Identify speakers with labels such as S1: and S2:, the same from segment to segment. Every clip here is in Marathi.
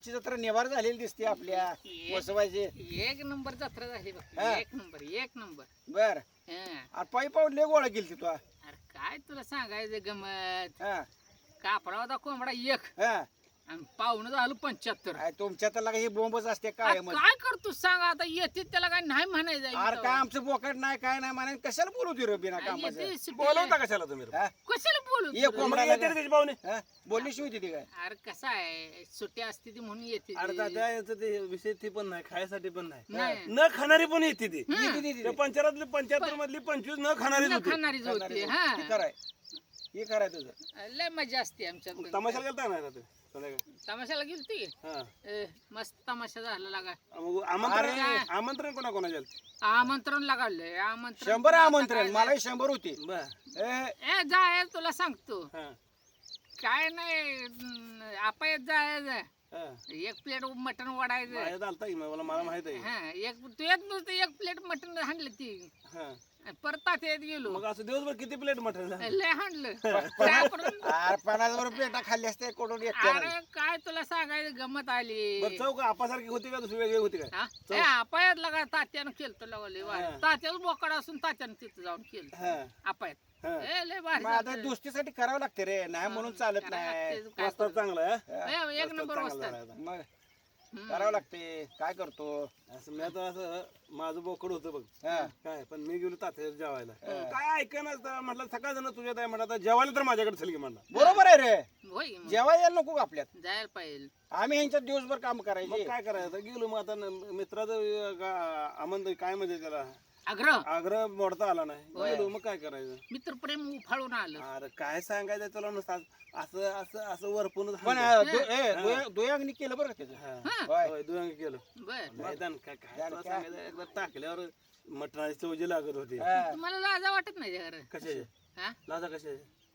S1: ची जत्रा निवार झालेली दिसते आपल्या वसवायची.
S2: एक नंबर जत्रा झाली बघ.
S1: हा.
S2: एक नंबर
S1: बर
S2: हा.
S1: पायी पाऊल लय गोळा केली तू.
S2: अरे काय तुला सांगायचं गमत.
S1: हा
S2: कापडा होता कोंबडा एक
S1: हा
S2: आणि पाहुणं झालं 75.
S1: काय तुमच्या तर लागा ही बोंबच असते काय मग.
S2: काय करतो सांग आता येते त्याला काय नाही म्हणायचं
S1: अरे काय आमचं बोकड नाही काय नाही म्हणे कशाला बोलू दे रे बिना कामाचं.
S3: बोलवता कशाला तुम्ही
S1: हा?
S2: कशाला बोलू
S1: ये कोंबडा
S3: येते त्याची पाहुणे
S1: हा? बोलली शिवाय ती काय.
S2: अरे कसं आहे सुट्टी असते ती म्हणून येते
S3: अरे
S2: ती.
S3: दादा याचं ते विषय ती पण नाही खायसाठी पण नाही
S2: नाही
S3: न खाणारी पण येते ती
S1: येते ती- ती-
S3: त्या 75 मधली 25 न खाणारीच होती
S2: खाणारीच होती
S1: ती
S2: हा
S1: कराय हे कराय तुझं.
S2: लय मजा असते आमच्यात.
S3: तमाशाला गेलता नाही ना ते संध्याकाळी?
S2: तमाशाला गेलती
S3: हा.
S2: मस्त तमाशा झाला लागा.
S3: मग आमंत्रण
S2: अरे.
S3: आमंत्रण कोणा कोणा गेलं
S2: आमंत्रण लागले आमंत्रण
S1: 100 आमंत्रण मलाही 100 होती.
S3: बर
S2: ए जाय तुला सांगतो
S3: हा
S2: काय नाही आपण जायचं
S3: हा.
S2: एक प्लेट मटण वाढायचं.
S3: माझ्यात आलता की मला माहित आहे
S2: हा एक तू येत नुसतं एक प्लेट मटण हाणलं ती
S3: हा.
S2: परत तात्यात गेलो
S3: मग असं दिवसभर किती प्लेट मटण
S2: लय हाणलं त्याकडून-
S1: अरे 50 पेटा खाल्ली असते कोडून एकट्याला.
S2: अरे काय तुला सांगायचं गमत आली.
S3: बरं चौक आपासारखी होती का दुसरी वेगळी होती काय
S2: आपायात लागा तात्यानं केलं लवले
S3: हा.
S2: तात्याच बोकड असून तात्यानं तिथं जाऊन केलं
S3: हा
S2: आपायात
S3: हा.
S2: लय भारी
S1: मग आता
S2: झालं.
S1: दोस्तीसाठी करावं लागते रे नाही म्हणून चालत
S2: करावं
S1: नाही.
S2: लागते, काय
S3: वस्ताद
S2: करू?
S3: चांगला आहे हा?
S2: एक नंबर
S3: वस्ताद
S2: वस्ताद.
S3: चांगला आहे आता.
S1: मग
S2: हम्म.
S1: करावं लागते काय करतो.
S3: असं मी आता असं माझं बोकड होतं बघ
S1: हा.
S3: काय पण मी गेलो तात्याच्या जेवायला काय ऐकणार म्हटलं सकाळ जण तुझ्यात आहे म्हटलं आता जेवायला तर माझ्याकडे चल की म्हणला
S1: बरोबर आहे रे.
S2: होय मग.
S1: जेव्हा यायला नको का आपल्यात.
S2: जायला पाहिजे.
S1: आम्ही ह्यांच्यात दिवसभर काम
S3: मग
S1: करायचे.
S3: काय करायचं गेलो मग आता मित्राचं आमंत्रण काय म्हणजे त्याला
S2: आग्रह
S3: आग्रह मोडता आला नाही गेलो मग काय करायचं
S2: मित्रप्रेम उफाळून आलं.
S3: अरे काय सांगायचं तुला नुसतं असं असं असं वरपून
S1: पण दुयांगणी केलं बरं का त्याचं.
S2: हा
S1: होय.
S3: दुयांग केलं
S2: बर
S3: मैदान काय काय
S1: मैदान
S3: तुला
S1: काय?
S3: सांगायचं एकदा टाकल्यावर मटणाची चवजी लागत होती
S1: हा.
S2: तुम्हाला लाजा वाटत नाही जरा
S3: कशाचे
S2: हा
S3: लाजा कशाचे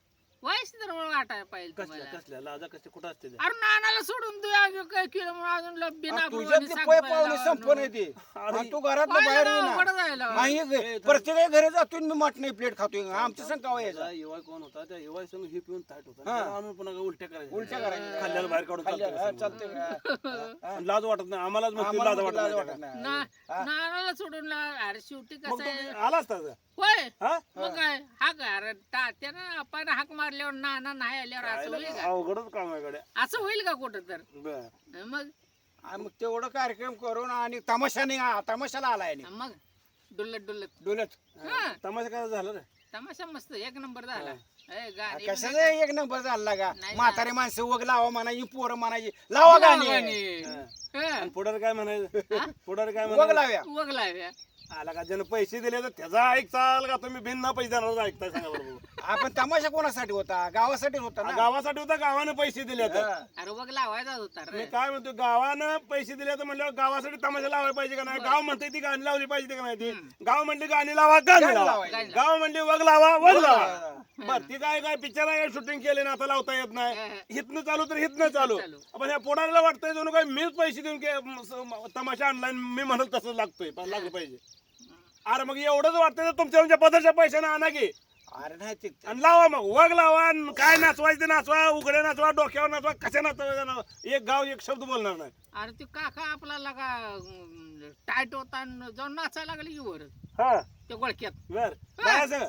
S2: वयस तर वाटायला पाहिजे तुम्हाला.
S3: कसल्या कसल्या लाजा कशा कुठं असते ते?
S2: अरे नानाला सोडून तू अजून काय केलं म्हणून अजून बिना
S1: तुझ्यातली पै पाहुणे संपन येते आणि तू घरात बाहेर येईना. नाही प्रत्येक घरी जातो मी मटण प्लेट खातोय आमच्या संकावा यायचा.
S3: त्याचा युवा कोण होता त्या युवा संग ही पिऊन ताट होता
S1: हा.
S3: त्याला आणून पुन्हा उलट्या करायच्या
S1: उलट्या करायच्या.
S3: खाल्ल्याला बाहेर काढून
S1: खाल्ल्याला, हा,
S3: चालतं
S1: चालतंय.
S3: पण लाज वाटत नाही आम्हालाच मग
S1: आम्हाला
S3: लाज
S1: लाज
S3: वाटत
S1: वाटत
S3: नाही
S1: नाही.
S2: नानाला सोडून अरे शेवटी
S3: मग
S2: कसं आहे
S3: तू आला असता का?
S2: होय
S3: हा
S2: मग काय हा का अरे त्यानं आपण हाक मारल्यावर नाना नाही आल्यावर असं होईल का
S3: अवघडच काम आहे गड्या
S2: असं होईल का कुठं तर
S3: बर
S2: मग
S1: आणि मग तेवढं कार्यक्रम करून आणि तमाशाने तमाशाला आलाय आणि
S2: मग डुलत डुलत
S1: डोलत
S2: हा
S3: तमाशा काय झालं रे
S2: तमाशा मस्त एक नंबर झाला ए, गाणी
S1: कशाचं एक नंबर झाला का.
S2: नाही
S1: म्हातारे माणसं वग लावा म्हणायची पोरं म्हणायची लावा गाणी
S2: गाणी. हा.
S3: आणि पुढारी काय म्हणायचं पुढारी काय
S1: वग
S3: म्हणायचं
S1: लाव्या.
S2: वग लाव्या.
S3: आला का ज्यानं पैसे दिले तर त्याचा ऐकचाल का तुम्ही बिन पैसे देणार ऐकताय सांगा बरोबर
S1: आपण तमाशा कोणासाठी होता गावासाठीच होता ना.
S3: गावासाठी होता गावानं पैसे दिले तर
S1: हा.
S2: अरे वग लावायचाच होता रे
S3: मी काय म्हणतो गावानं पैसे दिले तर म्हणल्यावर गावासाठी तमाशा लावायला पाहिजे का नाही गाव म्हणते ती गाणी लावली पाहिजे का नाही ती गाव म्हणली गाणी लावा गाणी
S1: गाणी
S3: लावा
S1: लावायची.
S3: गाव म्हणली वग लावा वग लावा बर ती काय काय पिक्चर आहे शूटिंग केले ना आता लावता येत नाही हितनं चालू तर हितनं चालू
S2: चालू.
S3: पण ह्या पोडायला वाटतंय जणू काय मीच पैसे देऊन तमाशा आणलाय मी म्हणत तसं लागतोय पण लागलं पाहिजे अरे मग एवढंच वाटतंय तर तुमच्या पदरच्या पैशाने आणा की
S1: अरे नाही ते
S3: आणि लावा मग वग लावा आणि काय नाचवायचं ते नाचवा उघडे नाचवा डोक्यावर नाचवा कशा नाचवा एक गाव एक शब्द बोलणार नाही
S2: अरे ते काका आपला लगा टाईट होता आणि जाऊन नाचायला लागले की वर
S3: हा
S2: त्या गोळक्यात
S3: बर काय सगळं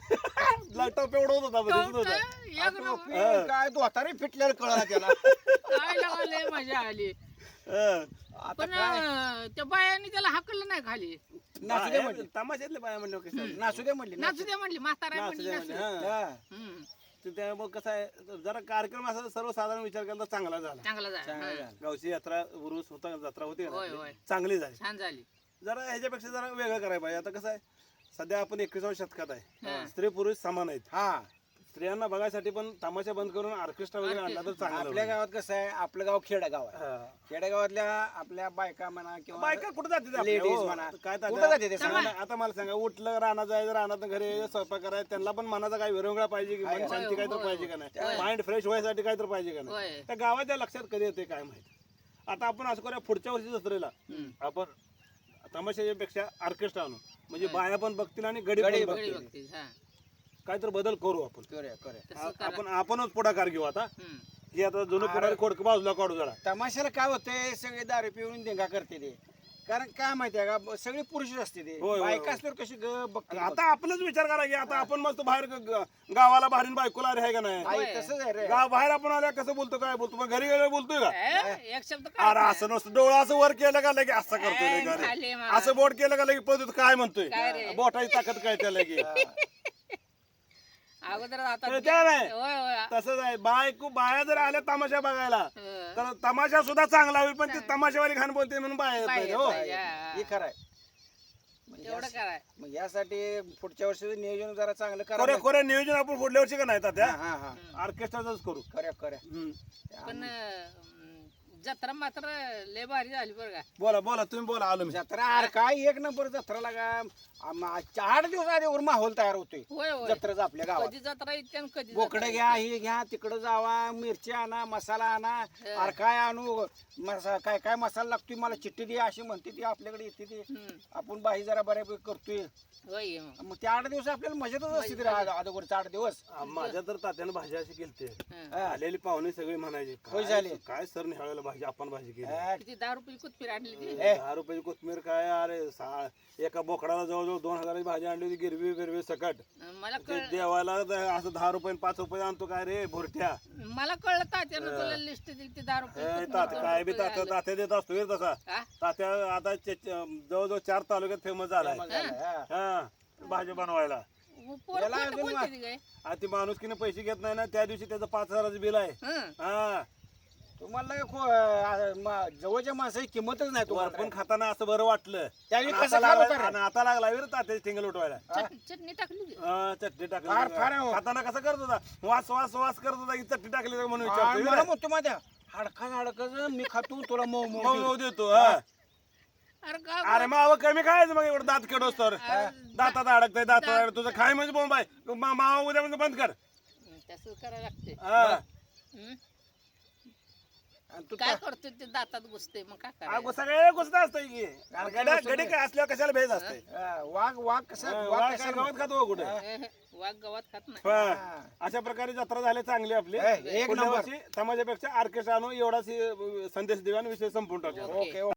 S2: हा.
S3: टोप एवढं होत होता दिसत होता
S2: एक नंबर.
S1: टोपी काय दोतारे फिटलेलं कळला त्याला.
S2: काय लावले मजा आली
S3: हं.
S1: आता
S2: पण
S1: काय
S2: त्या बायानी त्याला हाकलं नाही खाली
S1: नाचू दे म्हणली.
S3: तमाशातले बाया म्हणलं कसं
S1: नाचू दे म्हणली.
S2: नाचू दे म्हणली म्हातारा
S3: नाचू
S2: म्हणली
S3: दे
S2: नाचू
S3: म्हणजे,
S2: दे.
S3: हं.
S1: हा.
S2: हम्म.
S3: तर त्यामुळे कसं आहे जरा कार्यक्रम असा सर्वसाधारण विचार केला तर चांगला झाला
S2: चांगला झाला
S1: चांगलं
S2: हा.
S1: झालं.
S3: गावची यात्रा उरूस होता जत्रा होती ना
S2: होय,
S3: आपली.
S2: होय.
S3: चांगली झाली
S2: छान झाली
S3: जरा ह्याच्यापेक्षा जरा वेगळं करायला पाहिजे आता कसं आहे सध्या आपण 21व्या शतकात आहे
S2: हा.
S3: स्त्री पुरुष समान आहेत
S1: हा
S3: स्त्रियांना बघायसाठी पण तमाशा बंद करून ऑर्केस्ट्रा वगैरे आणला तर चांगलं
S1: आपल्या
S3: होईल.
S1: गावात कसं आहे आपलं गाव खेडेगाव आहे.
S3: हा.
S1: खेडेगावातल्या आपल्या बायका म्हणा किंवा
S3: बायका कुठं जाते आपल्या?
S1: ladies
S3: हो.
S1: म्हणा.
S3: काय
S1: कुठं
S3: तात्या?
S1: जाते ते
S3: सांगा ना, आता मला सांगा उठलं रानात जायचं रानात घरी स्वयंपाक करायचं त्यांना पण मनाचा काही विरंगुळा पाहिजे की मन शांती काय तर पाहिजे का नाही माइंड फ्रेश व्हायसाठी काय तर पाहिजे का नाही
S2: होय
S3: त्या गावाच्या लक्षात कधी येते काय माहिती आता आपण असं करूया पुढच्या वर्षी जत्रेला आपण तमाशाच्या पेक्षा ऑर्केस्ट्रा आणू म्हणजे बाया पण बघतील आणि गडी पण
S1: गडी
S2: गडी
S3: बघतील
S2: बघतील हा
S3: काय तर बदल करू आपण
S1: करूया करूया.
S2: तसं करा
S3: आपणच पुढाकार घेऊ आता
S2: हम्म.
S3: हे आता जुनं पुढे खोडकं बाजूला काढू जरा.
S1: तमाशाला काय होतंय सगळे दारू पिऊन देंगा करते ते कारण काय माहितीये का सगळे पुरुषच असते ते
S3: होय, होय.
S1: बायका असल्यावर कशी बघते
S3: आता आपलंच विचार करा की आता आपण मस्त बाहेर गावाला बाहेर बायकोला आहे का नाही
S1: आई तसंच आहे रे
S3: गाव बाहेर आपण आल्या कसं बोलतो काय बोलतो मग घरी गेल्यावर बोलतोय का
S2: एक शब्द
S3: अरे असं नसतं डोळा असं वर केलं का लगे असं करतोय लगे अरे.
S2: झाले मग.
S3: असं बोट केलं का लगे पद्धत काय म्हणतोय
S2: काय रे?
S3: बोटाची ताकद काय त्या लगे
S2: अगोदर आता
S3: तर त्या नाही.
S2: होय होय
S3: तसंच आहे बाया जर आल्या तमाशा बघायला
S2: हं.
S3: तर तमाशा सुद्धा चांगला होईल पण ती तमाशावाली घाण बोलते म्हणून बाया येत नाही, हो
S2: पाहिजे, हा.
S1: हे खरं आहे
S2: तेवढं कराय
S1: मग यासाठी पुढच्या वर्षीचं नियोजन जरा चांगलं
S3: खरं
S1: करा
S3: खरं नियोजन आपण पुढल्या वर्षी का नाही त्या
S1: हा हा
S3: ऑर्केस्ट्राच करू
S1: खऱ्या खऱ्या
S3: हम्म.
S2: पण जत्रा मात्र लय भारी झाली बरं का
S3: बोला बोला तुम्ही बोला आलो मी
S1: जत्रा अरे काय एक नंबर जत्रा लागा 8 दिवस आधीवर माहोल तयार होतोय
S2: होय होय
S1: जत्रेचा आपल्या गावात
S2: कधी जत्रा येते आणि कधी
S1: बोकडं
S2: जत्रा
S1: घ्या हे घ्या तिकडं जावा मिरची आणा मसाला आणा अरे काय आणू काय काय मसाला लागतोय मला चिठ्ठी दे अशी म्हणते ती आपल्याकडे येते ती
S2: येते. हं.
S1: आपण बाई जरा बऱ्यापैकी करतोय
S2: होय मग.
S1: मग ते 8 दिवस आपल्याला मजेतच असते रे अगोदरचे 8 दिवस
S3: माझ्या तर तात्यानं भाजी अशी केलते
S2: हं.
S1: हा.
S3: आलेली पाहुणे सगळे म्हणायचे
S1: होय
S3: काय
S1: झाले.
S3: काय सर निहाळायला भाजी आपण भाजी केली
S1: हा,
S2: किती 10 रुपये कोथमीर आणली ती
S3: 10 रुपयाची कोथमीर काय अरे एका बोकडाला जवळजवळ 2000 भाजी आणली होती गिरवी बिरवी सकट
S2: मला
S3: ते
S2: कळ
S3: देवाला असं 10 रुपये 5 रुपये आणतो काय रे भोरट्या
S2: मला कळलं तात्यानं तुला लिस्ट दिली ती 10 रुपये कोथमीर,
S3: तात्या
S2: 2
S3: काय बी
S2: रुपये
S3: तात्या
S2: आलं.
S3: तात्या देत असतो रे तसा
S2: हा?
S3: तात्या आता जवळजवळ 4 तालुक्यात फेमस झालाय
S1: मग झालं, हा.
S3: हा भाजी बनवायला
S2: पोरं
S1: याला
S2: खोटं
S1: अजून
S2: बोलते ती काय
S3: आणि ती माणुसकीने पैसे घेत नाही ना त्या दिवशी त्याचं 5000चं बिल आहे
S2: हं.
S3: हा
S1: तुम्हाला जवळच्या माणसाची किंमतच नाही तुम्हाला
S3: वरपून खाताना असं बरं वाटलं
S1: त्यावेळी
S3: आणि
S1: कसं
S3: आता
S1: खात
S3: लागला-
S1: होता रे?
S3: आणि आता लागला वीर तात्याची टिंगल उठवायला
S2: चटणी टाकली ती.
S3: चटणी टाकली
S1: फार फार आहे हो.
S3: खाताना कसं करत होता वास वास वास करत होता की चटणी टाकली का म्हणून
S1: आणि
S3: विचारतो
S1: मला
S3: वीर.
S1: म्हणतो माझ्या हाडका मी खातो तुला मऊ
S3: मऊ
S1: मऊ
S3: मऊ देतो हा
S2: अरे का
S3: अरे मावा कमी खायचं मग एवढं दात केडोस तर दातात अडकतंय दातात अडकतंय तुझं खाय म्हणजे बोंब आहे मावा उद्या म्हणजे बंद कर
S2: तसंच करायला लागते
S3: हा.
S1: आणि तू
S2: काय करतोय ते दातात घुसते मग काय
S3: अगो
S2: करायचं
S3: सगळे गोष्ट असतंय की गडी काय असल्यावर कशाला भेज असते
S1: वाघ कसा वाघ
S3: वाघ काय
S1: कसा
S3: गावात खातो हो कुठे
S2: वाघ गवत खात नाही
S3: हा. अशा प्रकारे जत्रा झाली चांगली आपली
S1: एक
S3: पुढल्या
S1: नंबर.
S3: वर्षी समाजापेक्षा ऑर्केस्ट्रा आणून एवढाच संदेश देऊन विषय संपून टाकू
S1: ओके